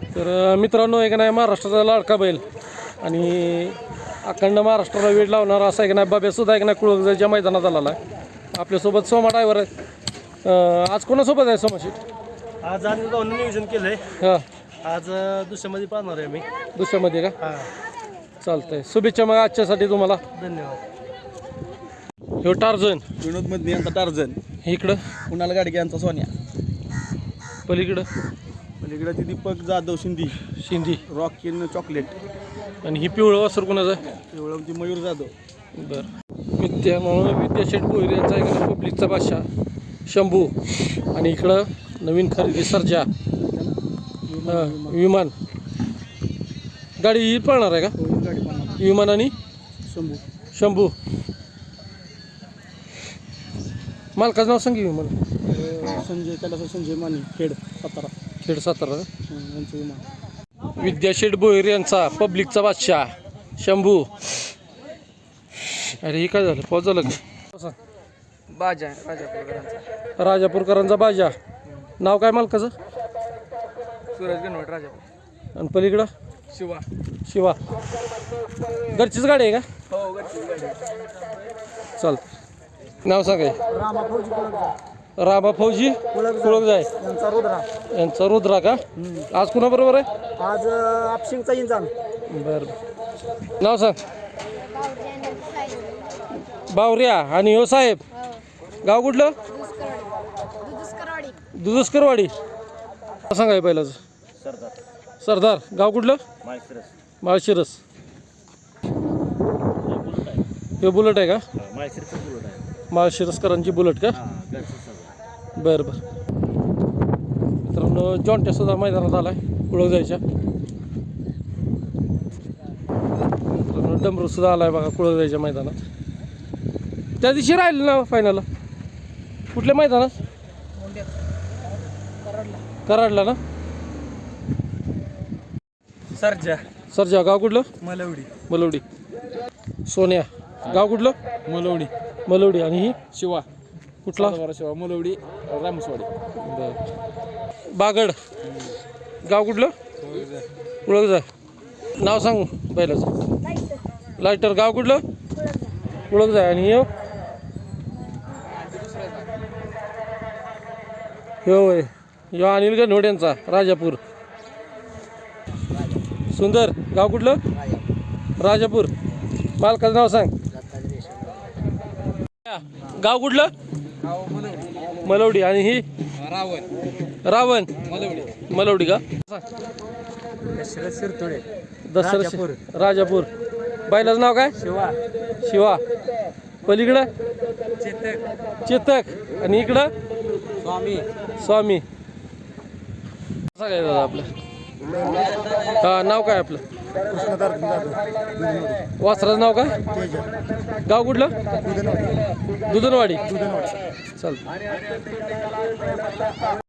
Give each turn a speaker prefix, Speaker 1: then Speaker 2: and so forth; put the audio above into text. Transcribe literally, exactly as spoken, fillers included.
Speaker 1: तर मित्रांनो एक नाही महाराष्ट्राचा लाडका बैल आणि अखंड महाराष्ट्राला वेळ लावणारा असा एक नाही बाब्यासुद्धा एक नाही कुळगजाच्या मैदानात आलेला आहे. आपल्यासोबत सोमा ड्रायव्हर आहे. आज कोणासोबत आहे सोमाशी?
Speaker 2: आज आम्ही गावून नियोजन केलं आहे.
Speaker 1: हां
Speaker 2: आज दुसऱ्यामध्ये पाहणार आहे मी.
Speaker 1: दुसऱ्यामध्ये का?
Speaker 2: हां
Speaker 1: चालतंय. शुभेच्छा मग आजच्यासाठी तुम्हाला.
Speaker 2: धन्यवाद.
Speaker 1: ह्यो टार्झन
Speaker 3: विनोद मधने यांचा टार्झन,
Speaker 1: इकडं
Speaker 3: कुणाल गाडगे यांचा सोन्या,
Speaker 1: पलीकडं
Speaker 3: पलीकडे ती दीपक जाधव शिंदी
Speaker 1: शिंदी
Speaker 3: रॉकिन चॉकलेट
Speaker 1: आणि ही पिवळं वासर कोणाचं आहे?
Speaker 3: एवढं ती मयूर जाधव.
Speaker 1: बरं विद्या म्हणून विद्याशेठ भोईर यांचा इकडं पब्लिकचा बादशाह शंभू आणि इकडं नवीन खरेदी सर्जा हां विमान गाडी ही पळणार आहे का?
Speaker 3: गाडी पाहणार
Speaker 1: विमान आणि
Speaker 3: शंभू
Speaker 1: शंभू. मालकाचं नाव सांगी विमान.
Speaker 3: संजय कैलास संजय माने खेड सातारा
Speaker 1: खेड सातारा
Speaker 3: यांचं विमान.
Speaker 1: विद्याशेठ भोईर यांचा पब्लिकचा बादशाह शंभू. अरे हे काय झालं? पाऊस झालं का?
Speaker 2: बाजा राजापूरकरांचा.
Speaker 1: राजापूरकरांचा बाजा. नाव काय मालकाचं?
Speaker 2: सूरज गणवट राजापूर.
Speaker 1: आणि पलीकडं
Speaker 2: शिवा.
Speaker 1: शिवा. घरचीच गाडी आहे का?
Speaker 2: हो गडचिरोली गाडी.
Speaker 1: चालतं. नाव सांगाय.
Speaker 3: रामा फौजी कुळगजा
Speaker 1: रामा फौजी कुळगजाय
Speaker 3: यांचा रुद्रा.
Speaker 1: यांचा रुद्रा का? आज कुणाबरोबर आहे?
Speaker 3: आज आपशिंगचा इंजान.
Speaker 1: बरं नाव सांग. बावऱ्या. आणि हो साहेब गाव कुठलं? दुधुस्करवाडी. सांगाय पहिलाच.
Speaker 3: सरदार.
Speaker 1: सरदार. गाव कुठलं?
Speaker 3: माळशिरस.
Speaker 1: माळशिरस. हे बुलेट आहे का?
Speaker 3: माळशिरसचं बुलेट आहे.
Speaker 1: माळशिरसकरांची बुलेट का? बरं बरं. मित्रांनो जॉन्ट्या सुद्धा मैदानात आलाय कुळग जायच्या. मित्रांनो डमरू सुद्धा आलाय बघा कुळग जायच्या मैदानात. त्या दिवशी राहिलं ना फायनलला कुठल्या मैदानात? कराडला ना.
Speaker 2: सर्जा.
Speaker 1: सरजा. गाव कुठलं?
Speaker 2: मलवडी.
Speaker 1: मलवडी. सोन्या. गाव कुठलं?
Speaker 2: मलवडी.
Speaker 1: मलवडी. आणि ही
Speaker 2: शिवा.
Speaker 1: कुठला?
Speaker 2: शिवा मलवडी रामसवाडी.
Speaker 1: बरं. बागड. गाव कुठलं? कुळग जा. नाव सांगू पहिल्याचं. लायटर. गाव कुठलं? कुळग जा. आणि यो यो होय यो अनिल गणवट यांचा राजापूर. सुंदर. गाव कुठलं? राजापूर. मालकाचं नाव सांग. गाव कुठलं? मलवडी. आणि ही
Speaker 2: रावण.
Speaker 1: रावण.
Speaker 2: मलवडी.
Speaker 1: मलवडी का?
Speaker 2: दशरथ शिरतोडे.
Speaker 1: दसरा राजापूर. बायलाचं नाव काय?
Speaker 2: शिवा.
Speaker 1: शिवा. पलीकडं
Speaker 2: चेतक.
Speaker 1: चेतक. आणि इकडं
Speaker 2: स्वामी.
Speaker 1: स्वामी. सांगायचं दादा आपलं. हां नाव काय आपलं? वासराचं नाव काय? गाव कुठलं? दुधनवाडी. चालतं.